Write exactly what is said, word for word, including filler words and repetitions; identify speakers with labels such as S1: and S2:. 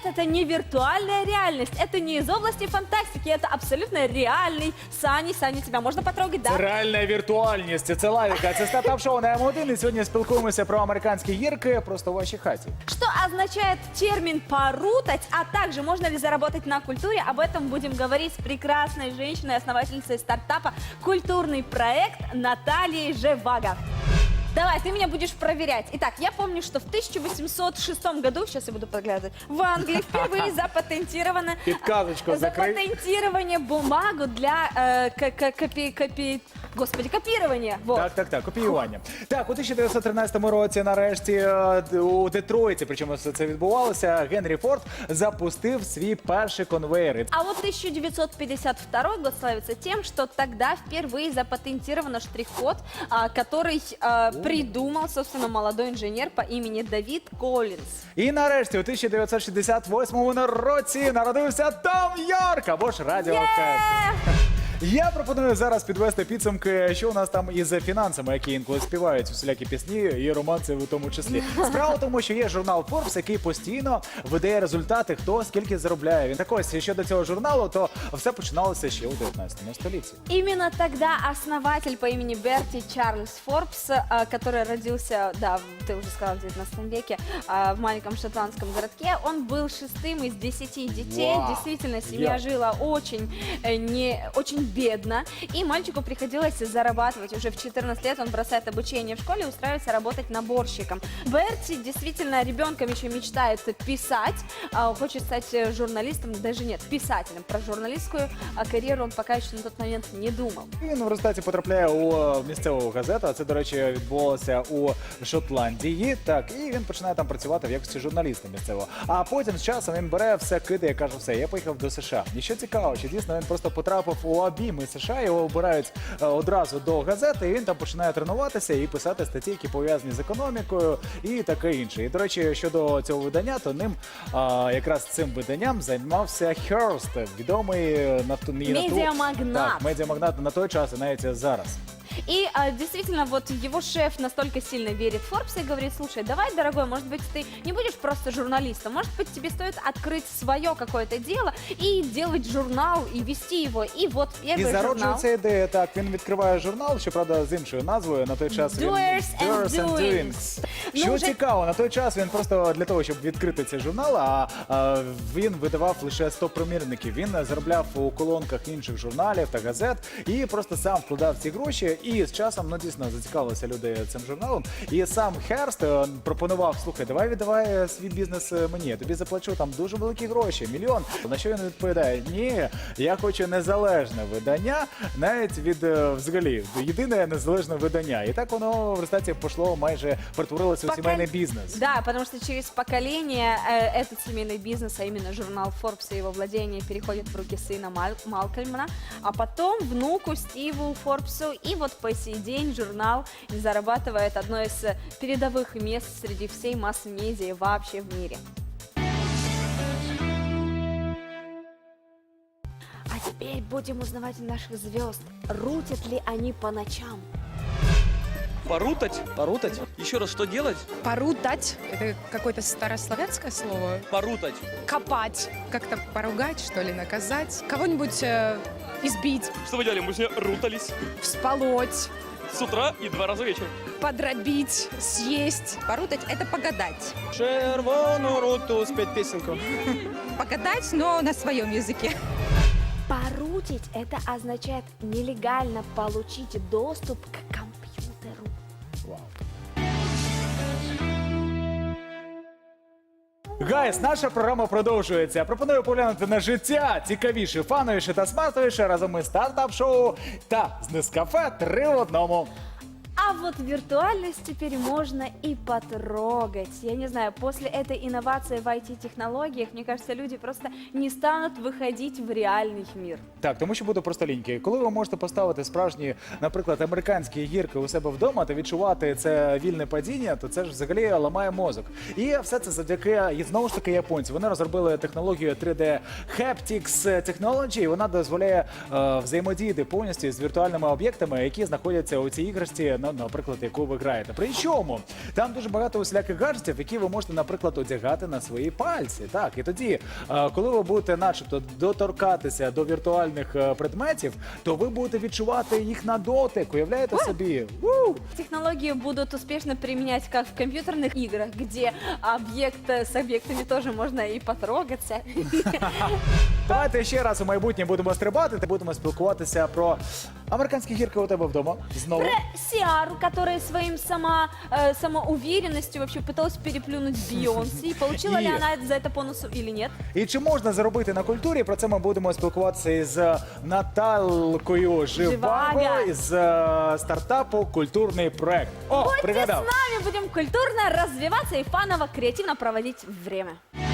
S1: это не виртуальная реальность, это не из области фантастики, это абсолютно реальный Сани. Сани, тебя можно потрогать, да?
S2: Це реальна віртуальність, це лавіка, це стартап-шоу на М один. І сьогодні спілкуємося про американські гірки просто в вашій хаті.
S1: Что означает термин «порутать», а также можно ли заработать на культуре, об этом будем говорить с прекрасной женщиной, основательницей стартапа «Культурный проект» Натальей Живаго. Давай, ты меня будешь проверять. Итак, я помню, что в тысяча восемьсот шестом году, сейчас я буду подглядывать, в Англии впервые запатентировано
S2: Підказочку закрий.
S1: запатентирование бумагу для э, к- к- копи, копи, господи, копирования. Вот.
S2: Так, так, так, копіювання. Так, у тисяча дев'ятсот тринадцятому році нарешті е, у Детройті, причому все це відбувалося, Генрі Форд запустив свій перший конвейер.
S1: А вот тысяча девятьсот пятьдесят второй год славится тем, что тогда впервые запатентирован штрих-код, а, который а, придумал, собственно, молодой инженер по имени Давид Коллинз.
S2: І нарешті у тисяча дев'ятсот шістдесят восьмому році народився Том Йорк, або ж Радіохед. Я пропоную зараз підвести підсумки, що у нас там із фінансами, які інколи співають усілякі пісні і романси в тому числі. Справа в тому, що є журнал Forbes, який постійно видає результати, хто скільки заробляє. Він так ось, щодо цього журналу, то все починалося ще у дев'ятнадцятому столітті.
S1: Именно тогда основатель по имени Берти Чарльз Форбс, а, который родился, да, ты уже сказал, в девятнадцатом веке, а, в маленьком шотландском городке, он был шестым из десяти детей.
S2: Вау.
S1: Действительно, семья
S2: Я.
S1: жила очень, э, не, очень бедно, и мальчику приходилось зарабатывать. Уже в четырнадцать лет он бросает обучение в школе и устраивается работать наборщиком. Берти действительно ребенком еще мечтает писать, а, хочет стать э, журналистом, даже нет, писателем. Про журналистскую а, карьеру он пока еще на тот момент не думал.
S2: Він в результаті потрапляє у місцеву газету, а це, до речі, відбувалося у Шотландії. Так, і він починає там працювати в якості журналіста місцевого. А потім з часом він бере все, кидає, каже, все, я поїхав до США. І що цікаво, що дійсно він просто потрапив у обійми США, його обирають е, одразу до газети, і він там починає тренуватися і писати статті, які пов'язані з економікою і таке інше. І, до речі, щодо цього видання, то ним а, якраз цим виданням займався Херст, відомий нафту...
S1: Медіамагнат.
S2: Так, медіамагнат на той час і навіть зараз.
S1: И а, действительно, вот его шеф настолько сильно верит в Forbes и говорит: слушай, давай, дорогой, может быть, ты не будешь просто журналистом, может быть, тебе стоит открыть свое какое-то дело и делать журнал, и вести его. И вот
S2: І
S1: первый журнал.
S2: зароджується ідея, так, він відкриває журнал, щоправда, з іншою назвою, на той час він...
S1: Doers and
S2: Doers and
S1: Doings.
S2: Doings.
S1: Ну,
S2: Що
S1: вже-
S2: цікаво, на той час він просто для того, щоб відкрити цей журнал, а, а він видавав лише сто примірників. Він заробляв у колонках інших журналів та газет і просто сам вкладав ці гроші. І з часом, ну, дійсно, зацікавилися люди цим журналом. І сам Херст е, пропонував: слухай, давай віддавай свій бізнес мені, я тобі заплачу там дуже великі гроші, мільйон. На що він відповідає: ні, я хочу незалежне видання, навіть від, е, взагалі, єдине незалежне видання. І так воно в результаті пішло, майже перетворилося у
S1: Покол-
S2: сімейний бізнес.
S1: Да, потому что через поколение э, этот семейный бизнес, а именно журнал Forbes и его владение, переходит в руки сына Мал- Малкольмана, а потом внуку Стиву Форбсу. И вот по сей день журнал зарабатывает одно из э, передовых мест среди всей масс-медиа вообще в мире. А теперь будем узнавать наших звезд. Рутят ли они по ночам?
S3: Порутать?
S4: Порутать?
S3: Еще раз, что делать?
S5: Порутать – это какое-то старославянское слово.
S3: Порутать.
S5: Копать, как-то поругать, что ли, наказать. Кого-нибудь э, избить,
S3: Что вы делали? Мы сегодня рутались
S5: всполоть,
S3: с утра и два раза вечером.
S5: подробить, съесть.
S6: Порутать – это погадать.
S4: Червону руту, спеть песенку.
S6: Погадать, но на своем языке.
S1: Порутить – это означает нелегально получить доступ к компьютеру.
S2: Вау. Гайс, наша програма продовжується. Пропоную поглянути на життя цікавіше, фановіше та смартовіше разом із стартап-шоу та з Нескафе три в одному.
S1: А вот виртуальность теперь можно и потрогать. Я не знаю, после этой инновации в ай ти-технологиях, мне кажется, люди просто не станут выходить в реальный мир.
S2: Так, тому що буде просто ліньки. Коли ви можете поставити справжні, наприклад, американські гірки у себе вдома та відчувати це вільне падіння, то це ж взагалі ламає мозок. І все це завдяки, і знову ж таки, японці. Вони розробили технологію три де Haptics Technology, і вона дозволяє е, взаємодіяти повністю з віртуальними об'єктами, які знаходяться у цій іграшці, ну, наприклад, яку ви граєте. Причому там дуже багато усіляких гаджетів, які ви можете, наприклад, одягати на свої пальці. Так, і тоді, е, коли ви будете, начебто, доторкатися до віртуальних е, предметів, то ви будете відчувати їх на дотик. Уявляєте собі? У!
S1: Технологии будут успешно применять как в компьютерных играх, где объект с объектами тоже можно и потрогаться.
S2: Давайте ще раз у майбутнє будемо стрибати та будемо спілкуватися про американські гірки у тебе вдома. Знову.
S1: Сиару, которая своим сама, э, самоуверенностью вообще пыталась переплюнуть Бейонсе. И получила
S2: И-
S1: ли она за это бонусу или нет?
S2: І чи можна заробити на культурі? Про це ми будемо спілкуватися із Наталкою Живаго
S1: Живаго.
S2: із е, стартапу «Культурний проект». О,
S1: Будьте с
S2: пригадав.
S1: нами, будем культурно развиваться и фаново, креативно проводить время.